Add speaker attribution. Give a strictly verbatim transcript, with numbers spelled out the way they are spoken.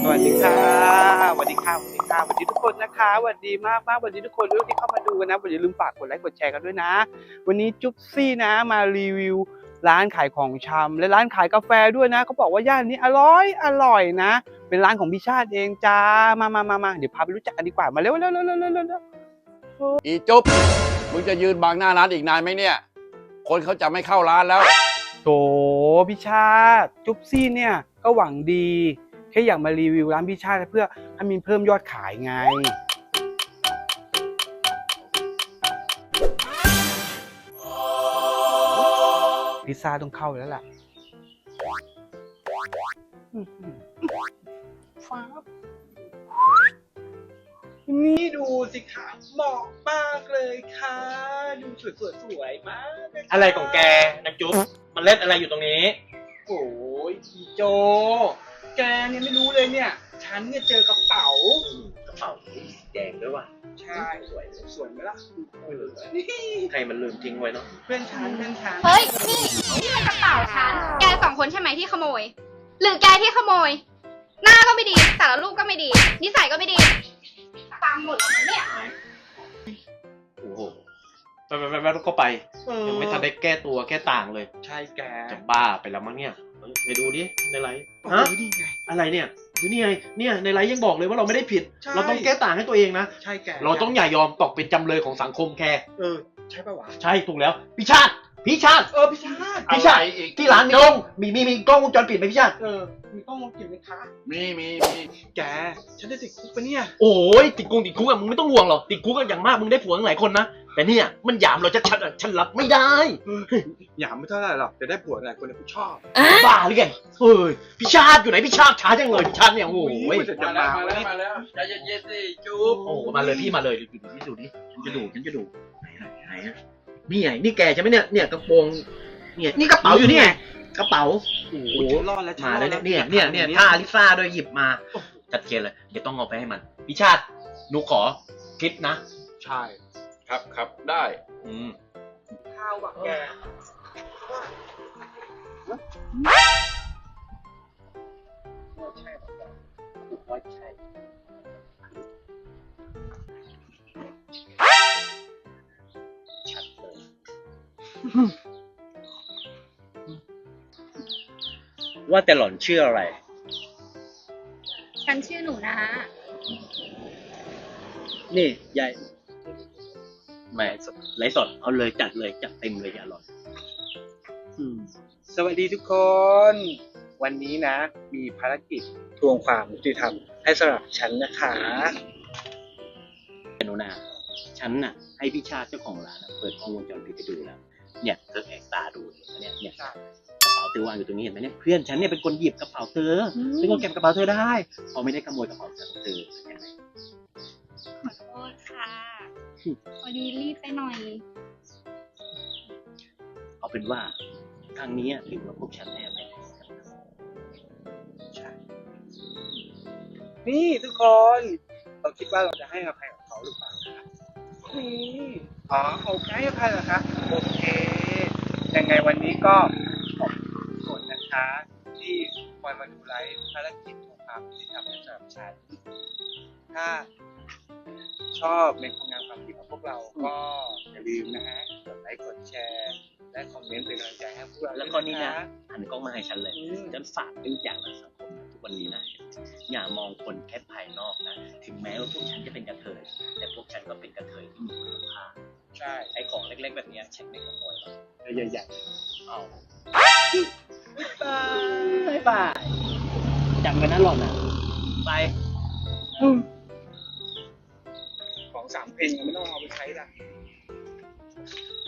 Speaker 1: สวัสดีค่ะสวัสดีค่ะสวัสดีค่ะสวัสดีทุกคนนะคะสวัสดีมากมากสวัสดีทุกคนด้วยที่เข้ามาดูกันนะอย่าลืมฝากกดไลค์กดแชร์กันด้วยนะวันนี้จุ๊บซี่นะมารีวิวร้านขายของชำและร้านขายกาแฟด้วยนะเขาบอกว่าย่านนี้อร่อยอร่อยนะเป็นร้านของพี่ชาติเองจ้ามามามามาเดี๋ยวพาไปรู้จักกันดีกว่ามาเร็วเร็วเร็วเร็วเร็วเร็ว
Speaker 2: อีจุ๊บมึงจะยืนบังหน้าร้านอีกนานไหมเนี่ยคนเขาจะไม่เข้าร้านแล้ว
Speaker 1: โถพี่ชาติจุ๊บซี่เนี่ยก็หวังดีแค่อยากมารีวิวร้านพี่ชาติเพื่อให้มีเพิ่มยอดขายไงพิซซ่าต้องเข้าแล้วล่ะฟ้านี่ดูสิคะเหมาะมากเลยค่ะดูสวยสวยสวยมาก
Speaker 3: อะไรของแกนางจุ๊บมันเล่นอะไรอยู่ตรงนี้
Speaker 1: โอ้ยอีโจแกเนี่ยไม่รู้เลยเนี่ยฉันเนี่ยเจอกระเป๋าก
Speaker 3: ระเป๋าแดงด้วยว่ะ
Speaker 1: ใช่สวยสวยไหมล่ะ
Speaker 3: ใครมันลืมทิ้งไว้เนาะ
Speaker 1: เพื่อนฉันเพื่อนฉัน
Speaker 4: เฮ้ยนี่นี่มันกระเป๋าฉันแกสองคนใช่ไหมที่ขโมยหรือแกที่ขโมยหน้าก็ไม่ดีแต่ละรูปก็ไม่ดีนิสัยก็ไม่ดีตามหมดแล้วเนี่ย
Speaker 3: โอ้โหไปไปไปก็ไปยังไม่ทันได้แก้ตัวแก้ต่างเลย
Speaker 1: ใช่แก
Speaker 3: จะบ้าไปแล้วมั้งเนี่ยไปดูดิในไลฟ์ฮะอะไรเนี่ยดูนี่ไงเนี่ยในไลฟ์ยังบอกเลยว่าเราไม่ได้ผิดเราต้องแก้ต่างให้ตัวเองนะ
Speaker 1: ใช่แก
Speaker 3: เราต้องอย่ายอมตกเป็นจำเลยของสังคมแค่
Speaker 1: เออใช่ป่าววะ
Speaker 3: ใช่ถูกแล้วพี่ชาติพี่ชาติ
Speaker 1: เออพี่ชาติ
Speaker 3: พี่ชาติที่ร้านมีกล้องมีมีมีกล้องวงจรปิดไหมพี่ชาติ
Speaker 1: เออมีกล้องวงจรปิดไหมคะ
Speaker 2: มีมีมี
Speaker 1: แกฉันได้ติดคุกปะเนี่ย
Speaker 3: โอ้ยติดคุกติดคุกอะมึงไม่ต้องห่วงหรอกติดคุกกันอย่างมากมึงได้ผัวตั้งหลายคนนะแต่เนี่ยมันหยามเราจะชัดอะฉันรับไม่ได้
Speaker 1: หยามไม่เท่าไหร่หรอกแต่ได้ผัวหลายคนเนี่ยกูชอบ
Speaker 3: บ้าหรือไงเฮ้ยพี่ชาติอยู่ไหนพี่ชาติช้าจังเลยพี่ชาติเนี่ยโอ้ย
Speaker 2: มาแล้วมาแล้วมาแล้วใจเย็นๆสิจุ๊บ
Speaker 3: โอ้มาเลยพี่มาเลยดูดูดูดิฉันจะดูฉันจะดูไหนไหนนี่ไงนี่แกใช่ไหมเนี่ยเนี่ยกระโปรงเนี่ยนี่กระเป๋าอยู่นี่ไงกระเป๋า
Speaker 1: โอ้โหรอดแล้ว
Speaker 3: มาเลยเนี่ยเนี่ยเนี่ยผ้าลิซ่าด้วยหยิบมาจัดเจนเลยเดี๋ยวต้องเอาไปให้มันพี่ชาติหนูขอคลิปนะ
Speaker 1: ใช่
Speaker 2: ครับครับได้
Speaker 3: อืม
Speaker 1: ข้าวบักแกใช่บักแกถูกว่าใช่ชัดเลย
Speaker 3: ว่าแต่หล่อนชื่ออะไร
Speaker 4: ฉันชื่อหนูนะ
Speaker 3: นี่ยายแม่ไลฟ์สดเอาเลยจัดเลยจัดเต็มเลยอย่าหล่อน
Speaker 1: สวัสดีทุกคนวันนี้นะมีภารกิจทวงความยุติธรรมให้สำหรับฉันนะคะ
Speaker 3: หนูนาฉันน่ะให้พี่ชาติเจ้าของร้านเปิดกล้องวงจรปิดไปดูแล้วเนี่ยเธอแอบตาดูเนี่ยเนี่ยกระเป๋าเธอวางอยู่ตรงนี้เห็นไหมเนี่ยเพื่อนฉันเนี่ยเป็นคนหยิบกระเป๋าเธอฉันก็เก็บกระเป๋าเธอได้พอไม่ได้ขโมยกระเป๋าฉันเธอยังไง
Speaker 4: ขอโทษค่ะพอดีรีบไปหน่อย
Speaker 3: เอาเป็นว่าครั้งนี้ถือว่าพวกฉันแอบไป
Speaker 1: ใช่นี่ทุกคนเราคิดว่าเราจะให้อภัยกับเขาหรือเปล่านี่อ๋อโอเคให้อภัยเหรอคะโอเคยังไงวันนี้ก็ขอบคุณทุกคนนะคะที่คอยมาดูไลฟ์ภารกิจของความที่ทำให้สำหรับฉันถ้าชอบในผลงานความคิดของพวกเราก็อย่าลืมนะฮะกดไลค์กดแชร์และคอมเมนต์เป็นกำลังใจให้พวกเรา
Speaker 3: แล้วก็นี่นะหันกล้องมาให้ฉันเลยฉันฝากเป็นอย่างในสังคมทุกวันนี้นะอย่ามองคนแค่ภายนอกนะถึงแม้ว่าพวกฉันจะเป็นกระเทยแต่พวกฉันก็เป็นกระเทยที่มีคุณภาพ
Speaker 1: ใช่
Speaker 3: ไอ้ของเล็กๆแบบนี้ฉันไม่ขโมยหรอก
Speaker 1: ใหญ่
Speaker 3: ๆเอาบายบายจำไว้นะหล่อนนะไป
Speaker 1: ของสามเพลงไม่ต้องเอาไปใช้ละ